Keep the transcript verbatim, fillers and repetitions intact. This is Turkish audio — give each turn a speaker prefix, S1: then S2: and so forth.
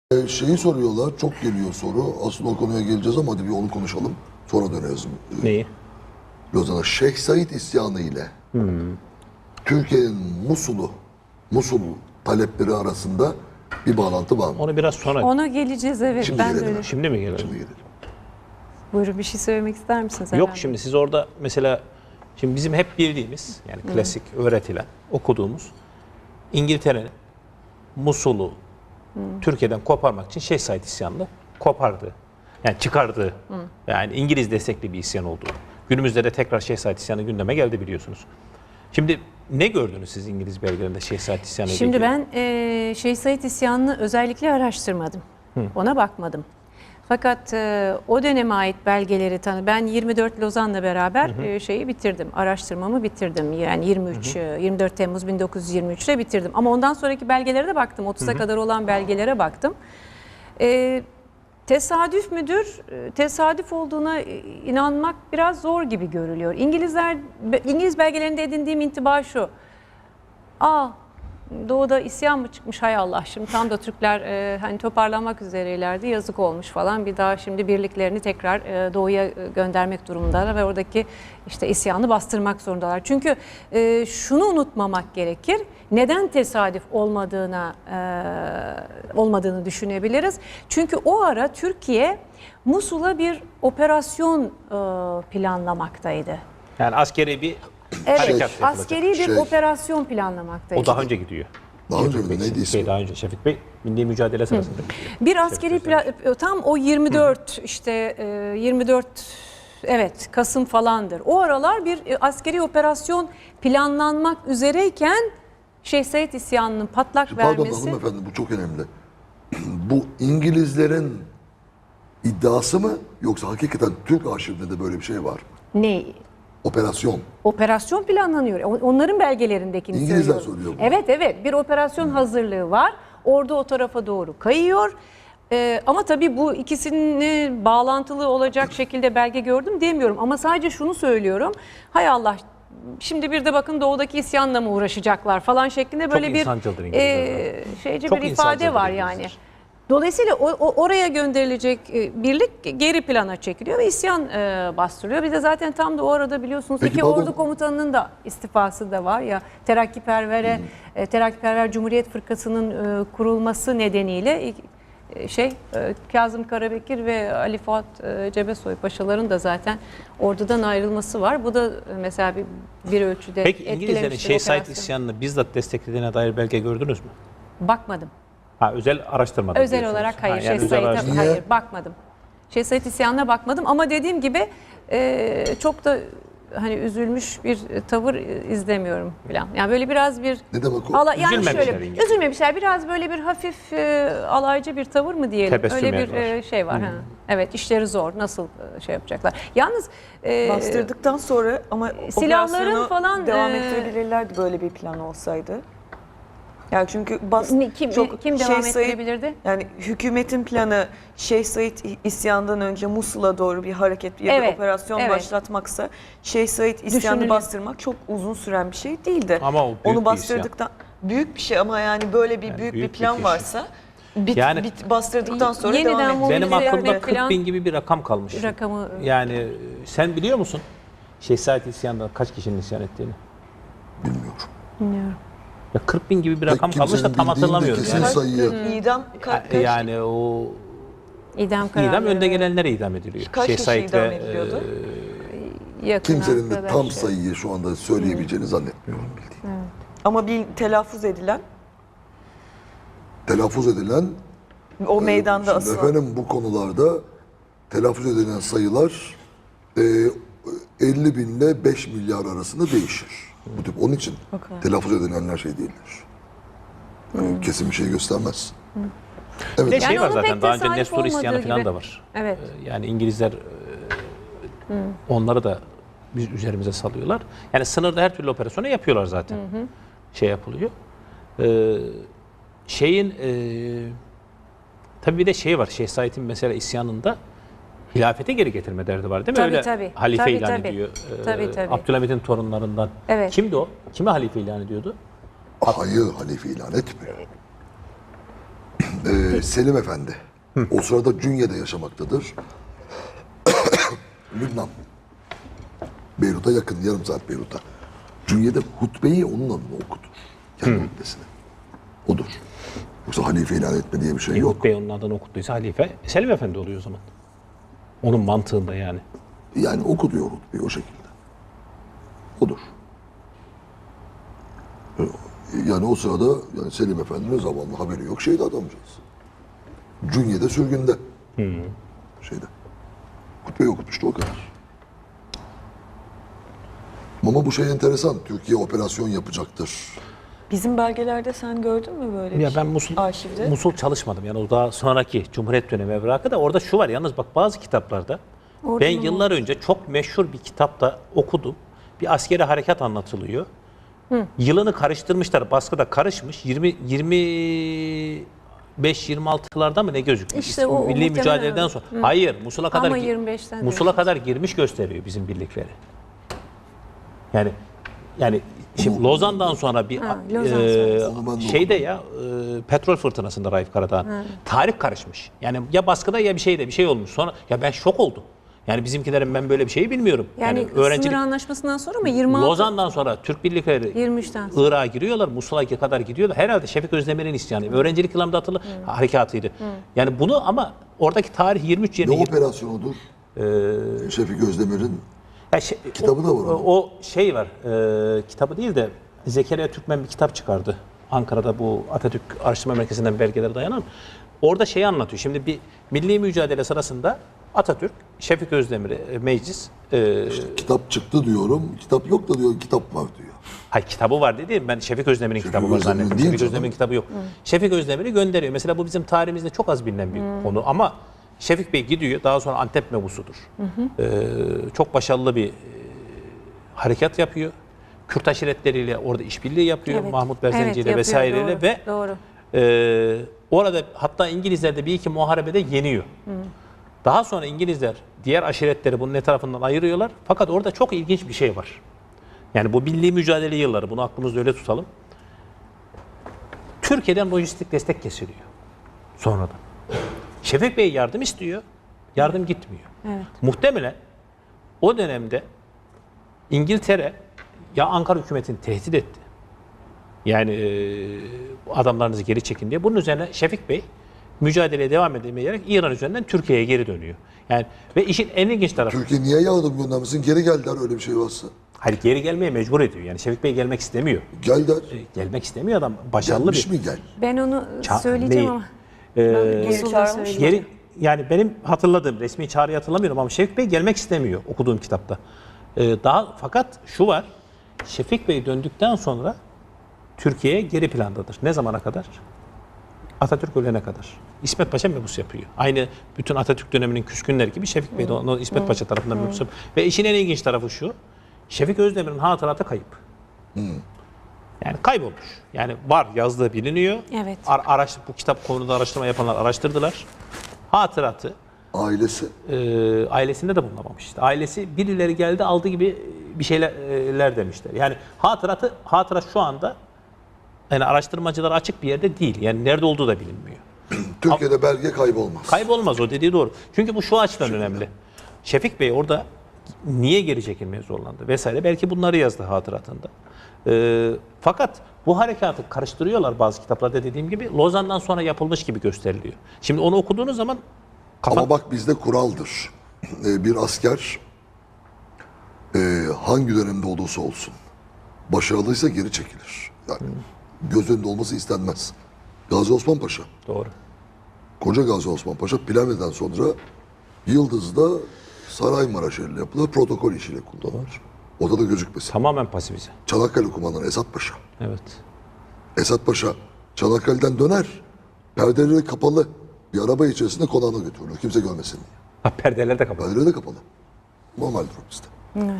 S1: Ee, Şeyi soruyorlar, çok geliyor soru. Aslında o konuya geleceğiz ama hadi bir onu konuşalım. Sonra döneriz. Ee,
S2: Neyi?
S1: Lozan'a. Şeyh Said isyanı ile Türkiye'nin Musul'u, Musul talepleri arasında bir bağlantı var mı?
S2: Onu biraz sonra.
S3: Ona geleceğiz, evet.
S1: Şimdi
S3: ben de
S1: gelelim.
S3: öyle.
S2: Şimdi mi gelelim?
S1: Şimdi gelelim.
S3: Buyurun, bir şey söylemek ister misiniz?
S2: Yok,
S3: Erhan Bey?
S2: şimdi siz orada mesela şimdi bizim hep bildiğimiz yani klasik öğretilen, okuduğumuz İngiltere'nin Musul'u Türkiye'den koparmak için Şeyh Said isyanını kopardı. Yani çıkardı. Yani İngiliz destekli bir isyan oldu. Günümüzde de tekrar Şeyh Said isyanı gündeme geldi biliyorsunuz. Şimdi ne gördünüz siz İngiliz belgelerinde Şeyh Said isyanı ile
S3: Şimdi
S2: ilgili?
S3: ben e, Şeyh Said isyanını özellikle araştırmadım. Ona bakmadım. Fakat e, o döneme ait belgeleri tanı. Ben yirmi dört Lozan'la beraber e, şeyi bitirdim. Araştırmamı bitirdim. Yani yirmi üç, e, yirmi dört Temmuz bin dokuz yüz yirmi üç'te bitirdim. Ama ondan sonraki belgelere de baktım. otuz'a kadar olan belgelere baktım. E, tesadüf müdür? E, Tesadüf olduğuna e, inanmak biraz zor gibi görülüyor. İngilizler, be- İngiliz belgelerinde edindiğim intiba şu. Aa, Doğu'da isyan mı çıkmış, hay Allah, şimdi tam da Türkler e, hani toparlanmak üzereylerdi, yazık olmuş falan, bir daha şimdi birliklerini tekrar e, Doğu'ya e, göndermek durumundalar ve oradaki işte isyanı bastırmak zorundalar. Çünkü e, şunu unutmamak gerekir, neden tesadüf olmadığına e, olmadığını düşünebiliriz. Çünkü o ara Türkiye Musul'a bir operasyon e, planlamaktaydı.
S2: Yani askeri bir
S3: Evet,
S2: harekat yapılacak.
S3: askeri bir
S1: Şey.
S3: operasyon planlamaktaydı.
S2: O daha önce gidiyor.
S1: Daha önce mi?
S2: Şefik Bey,
S1: Neydi
S2: Şefik Bey
S1: ismi?
S2: daha önce. Şefik Bey milli mücadele sırasında gidiyor.
S3: Bir askeri pla- tam o yirmi dört işte e, yirmi dört evet Kasım falandır. O aralar bir e, askeri operasyon planlanmak üzereyken Şeyh Said isyanının patlak
S1: Pardon
S3: vermesi.
S1: hanımefendi, bu çok önemli. Bu İngilizlerin iddiası mı yoksa hakikaten Türk arşivinde de böyle bir şey var mı?
S3: Ne?
S1: Operasyon.
S3: Operasyon planlanıyor. On- Onların belgelerindekini
S1: İngilizler
S3: söylüyorum.
S1: söylüyor bunu.
S3: Evet evet, bir operasyon hazırlığı var. Orada o tarafa doğru kayıyor. Ee, ama tabii bu ikisini bağlantılı olacak şekilde belge gördüm demiyorum. Ama sadece şunu söylüyorum. Hay Allah, şimdi bir de bakın Doğu'daki isyanla mı uğraşacaklar falan şeklinde böyle bir
S2: insancıldır İngilizler.
S3: e, şeyce
S2: Çok
S3: bir ifade
S2: insancıldır
S3: var
S2: İngilizler.
S3: yani. Dolayısıyla o, o- oraya gönderilecek e, birlik geri plana çekiliyor ve isyan e, bastırılıyor. Bir de zaten tam da o arada biliyorsunuz
S1: Peki,
S3: iki
S1: pardon.
S3: ordu komutanının da istifası da var ya, Terakkiperver'e e, Terakkiperver Cumhuriyet Fırkası'nın e, kurulması nedeniyle e, şey e, Kazım Karabekir ve Ali Fuat e, Cebesoy paşaların da zaten ordudan ayrılması var. Bu da e, mesela bir, bir ölçüde
S2: Peki İngilizlerin
S3: etkilemiştir
S2: Şeyh Said
S3: operasyonu.
S2: isyanını bizzat desteklediğine dair belge gördünüz mü?
S3: Bakmadım.
S2: Ha, özel araştırmada
S3: Özel
S2: diyorsunuz.
S3: olarak hayır.
S2: Ha,
S3: Şeyh
S2: yani özel
S3: Said'e
S2: araştırma.
S1: Niye?
S3: hayır bakmadım. Şeyh Said isyanına bakmadım ama dediğim gibi e, çok da hani üzülmüş bir tavır izlemiyorum falan. Yani böyle biraz bir
S1: Ne demek o?
S3: ala, yani
S2: Üzülmemişler
S3: şöyle
S2: İngilizler.
S3: üzülmemişler. Biraz böyle bir hafif e, alaycı bir tavır mı diyelim.
S2: Tebessüm
S3: Öyle bir
S2: var.
S3: e, şey var. Ha. Evet, işleri zor. Nasıl e, şey yapacaklar? Yalnız e,
S4: Bastırdıktan sonra ama
S3: silahların
S4: operasyonu
S3: falan,
S4: devam
S3: e,
S4: ettirebilirlerdi böyle bir plan olsaydı. Yani çünkü bas
S3: ne- kim
S4: çok
S3: kim
S4: Şeyh
S3: devam
S4: Said-
S3: ettirebilirdi?
S4: Yani hükümetin planı Şeyh Said isyandan önce Musul'a doğru bir hareket ya da
S3: Evet,
S4: operasyon
S3: evet.
S4: başlatmaksa Şeyh Said isyanı
S3: Düşünülür.
S4: bastırmak çok uzun süren bir şey değildi.
S2: Ama o büyük
S4: Onu
S2: bir
S4: bastırdıktan büyük bir şey ama yani böyle bir
S2: Yani
S4: büyük,
S2: büyük
S4: bir
S2: bir
S4: plan
S2: keşif.
S4: varsa bit,
S2: Yani-
S4: bit bastırdıktan sonra
S3: Yeniden
S4: devam
S3: bu-
S4: ediyor.
S2: Benim
S3: Mobilize
S2: aklımda
S3: yapmak
S2: kırk
S3: falan-
S2: bin gibi bir rakam kalmış.
S3: Rakamı
S2: Yani e, sen biliyor musun Şeyh Said isyanında kaç kişinin isyan ettiğini?
S1: Bilmiyorum.
S3: bilmiyorum.
S2: Ya kırk bin gibi bir
S1: Pek
S2: rakam kalmış da
S1: kimsenin
S2: tam
S1: bildiğin de
S2: hatırlamıyorum.
S1: kesin
S2: Yani.
S1: sayıyı.
S4: İdam ka- kaç,
S2: Yani o
S3: İdam kararı.
S2: idam önde gelenlere idam ediliyor.
S4: Kaç
S2: Şeyh
S4: kişi
S2: Said
S4: idam
S2: ve,
S4: ediliyordu?
S2: e,
S3: yakın
S1: Kimsenin de tam
S3: arkadaşlar.
S1: sayıyı şu anda söyleyebileceğini zannetmiyorum bildiğim.
S4: ama bir telaffuz edilen
S1: Telaffuz edilen
S4: o meydanda
S1: Şimdi
S4: asılan.
S1: efendim bu konularda telaffuz edilen sayılar e, elli bin ile beş milyar arasında değişir. Bu tip onun için
S4: Okay.
S1: telaffuz edilenler şey değildir. Yani kesin bir şey göstermez. Evet.
S2: Bir de şey
S3: Yani
S2: var
S3: onun
S2: zaten
S3: pek
S2: daha önce
S3: tesadüf
S2: Nestor isyanı
S3: olmadığı
S2: falan
S3: gibi.
S2: da var.
S3: Evet.
S2: Ee, Yani İngilizler e, onları da biz üzerimize salıyorlar. Yani sınırda her türlü operasyonu yapıyorlar zaten. Şey yapılıyor. Ee, şeyin e, tabii bir de şey var. Şeyh Said'in mesela isyanında hilafete geri getirme derdi var değil mi?
S3: Tabii,
S2: Öyle
S3: tabii.
S2: halife
S3: Tabii,
S2: ilan
S3: tabii.
S2: ediyor. Ee,
S3: Tabii, tabii.
S2: Abdülhamit'in torunlarından.
S3: Evet.
S2: Kimdi o? Kime halife ilan ediyordu?
S1: Hayır, halife ilan etmiyor. Ee, Selim Efendi. O sırada Cünye'de yaşamaktadır. Lübnan. Beyrut'a yakın, yarım saat Beyrut'a. Cünye'de hutbeyi onun adına okutur. Kendi hutbesini. Odur. Yoksa halife ilan etme diye bir şey yok.
S2: Yahut Bey onun adını okuttuysa halife Selim Efendi oluyor o zaman. Onun mantığında yani.
S1: Yani oku diyor hutbeyi o şekilde. Odur. Yani o sırada yani Selim Efendi'nin zamanla haberi yok. Şeyde adamcağız. Cünye'de sürgünde. Şeyde. Hutbeyi okutmuştu o kadar. Ama bu şey enteresan. Türkiye operasyon yapacaktır.
S4: Bizim belgelerde sen gördün mü böyle bir
S2: Ya
S4: şey?
S2: ben Musul,
S4: Arşivde.
S2: Musul çalışmadım. Yani o daha sonraki Cumhuriyet dönemi evrakı da orada şu var. Yalnız bak bazı kitaplarda
S3: Orada
S2: ben
S3: mı?
S2: yıllar önce çok meşhur bir kitapta okudum. Bir askeri harekat anlatılıyor. Yılını karıştırmışlar. Baskıda karışmış. yirmi yirmi beş yirmi altılarda mı ne gözükmüş?
S3: İşte o- o
S2: Milli
S3: muhtemelen
S2: mücadeleden
S3: öyle.
S2: sonra. Hayır, Musul'a kadar
S3: Ama
S2: gi-
S3: yirmi beşten
S2: Musul'a
S3: diyorsun.
S2: kadar girmiş gösteriyor bizim birlikleri. Yani yani şimdi Lozan'dan sonra bir
S3: Ha, Lozan
S2: e,
S3: sonrası.
S1: Onu ben de
S2: şeyde ya e, petrol fırtınasında Raif Karadağ'ın tarih karışmış. Yani ya baskıda ya bir şeyde bir şey olmuş. Sonra ya ben şok oldum. Yani bizimkilerin ben böyle bir şeyi bilmiyorum.
S3: Yani,
S2: öğrencilik
S3: sınır anlaşmasından sonra mı? yirmi altı
S2: Lozan'dan sonra Türk birlikleri
S3: yirmi üçten sonra.
S2: Irak'a giriyorlar, Musul'a kadar gidiyorlar. Herhalde Şefik Özdemir'in isyanı. Öğrencilik yıllarında atılı harekatıydı. Yani bunu ama oradaki tarih yirmi üç
S1: Ne
S2: yerine
S1: operasyonudur? Şefik Özdemir'in
S2: Ya şey-
S1: Kitabı
S2: o,
S1: da var onun.
S2: O şey var, e, kitabı değil de Zekeriya Türkmen bir kitap çıkardı. Ankara'da bu Atatürk Araştırma Merkezi'nden belgelere dayanan. Orada şeyi anlatıyor. Şimdi bir milli mücadele sırasında Atatürk, Şefik Özdemir'i e, meclis, e,
S1: kitap çıktı diyorum. Kitap yok da diyor kitap var diyor.
S2: hayır kitabı var dedi. Ben Şefik Özdemir'in kitabı var
S1: Özdemir'in
S2: zannettim.
S1: değil
S2: Şefik
S1: canım.
S2: Özdemir'in kitabı yok. Şefik Özdemir'i gönderiyor. Mesela bu bizim tarihimizde çok az bilinen bir konu ama Şefik Bey gidiyor. Daha sonra Antep mebusudur. Ee, çok başarılı bir e, harekat yapıyor. Kürt aşiretleriyle orada işbirliği yapıyor.
S3: Evet.
S2: Mahmut
S3: Evet,
S2: Berzenci'yle
S3: yapıyor,
S2: vesaireyle
S3: doğru,
S2: ve
S3: doğru.
S2: e, orada hatta İngilizler de bir iki muharebede yeniyor. Daha sonra İngilizler diğer aşiretleri bunun etrafından ayırıyorlar. Fakat orada çok ilginç bir şey var. Yani bu milli mücadele yılları, bunu aklımızda öyle tutalım. Türkiye'den lojistik destek kesiliyor sonradan. Şefik Bey yardım istiyor, yardım gitmiyor.
S3: Evet.
S2: Muhtemelen o dönemde İngiltere ya Ankara hükümetini tehdit etti. Yani e, adamlarınızı geri çekin diye. Bunun üzerine Şefik Bey mücadeleye devam edemeyerek İran üzerinden Türkiye'ye geri dönüyor. Yani ve işin en ilginç tarafı,
S1: Türkiye niye yardım göndermesin? Geri gel der öyle bir şey varsa.
S2: hayır geri gelmeye mecbur ediyor. Yani Şefik Bey gelmek istemiyor.
S1: Gel der.
S2: E, gelmek istemiyor adam. Başarılı
S1: Gelmiş
S2: bir.
S1: mi gel?
S3: Ben onu
S2: Ça-
S3: söyleyeceğim
S2: neyi?
S3: ama.
S2: Ee,
S3: Musul'da
S4: çağırmış.
S3: söyleyeceğim.
S2: Geri, yani benim hatırladığım resmi çağrıyı hatırlamıyorum ama Şefik Bey gelmek istemiyor okuduğum kitapta. Ee, daha fakat şu var. Şefik Bey döndükten sonra Türkiye'ye geri plandadır. Ne zamana kadar? Atatürk ölene kadar. İsmet Paşa mebus yapıyor. Aynı bütün Atatürk döneminin küskünleri gibi Şefik Bey de onu İsmet Paşa tarafından mebus yapıyor. Ve işin en ilginç tarafı şu. Şefik Özdemir'in hatıratı kayıp. Yani kaybolmuş. Yani var yazdığı biliniyor.
S3: Evet.
S2: Ar- araş, bu kitap konuda araştırma yapanlar araştırdılar. Hatıratı
S1: Ailesi.
S2: e, ailesinde de bulunamamış. İşte ailesi birileri geldi aldı gibi bir şeyler demişler. Yani hatıratı hatırat şu anda yani araştırmacılar açık bir yerde değil. Yani nerede olduğu da bilinmiyor.
S1: Türkiye'de belge kaybolmaz.
S2: Kaybolmaz o dediği doğru. Çünkü bu şu açıdan önemli. Şefik Bey orada niye geri çekilmeye zorlandı vesaire. Belki bunları yazdı hatıratında. Ee, fakat bu harekatı karıştırıyorlar bazı kitaplarda dediğim gibi. Lozan'dan sonra yapılmış gibi gösteriliyor. Şimdi onu okuduğunuz zaman kafan...
S1: Ama bak bizde kuraldır. Ee, bir asker e, hangi dönemde olursa olsun başarılıysa geri çekilir. Yani göz önünde olması istenmez. Gazi Osman Paşa,
S2: Doğru.
S1: koca Gazi Osman Paşa Plevne'den sonra Yıldız'da Saraymaraş ile yapılan protokol işiyle kullanılır. Orada da gözükmesin.
S2: Tamamen pasifize.
S1: Çanakkale kumandanı Esat Paşa.
S2: Evet.
S1: Esat Paşa Çanakkale'den döner. Perdeleri kapalı bir araba içerisinde konağına götürülür. Kimse görmesin diye.
S2: Ha, perdeler de kapalı.
S1: Perdeleri de kapalı. Normaldir o bizde.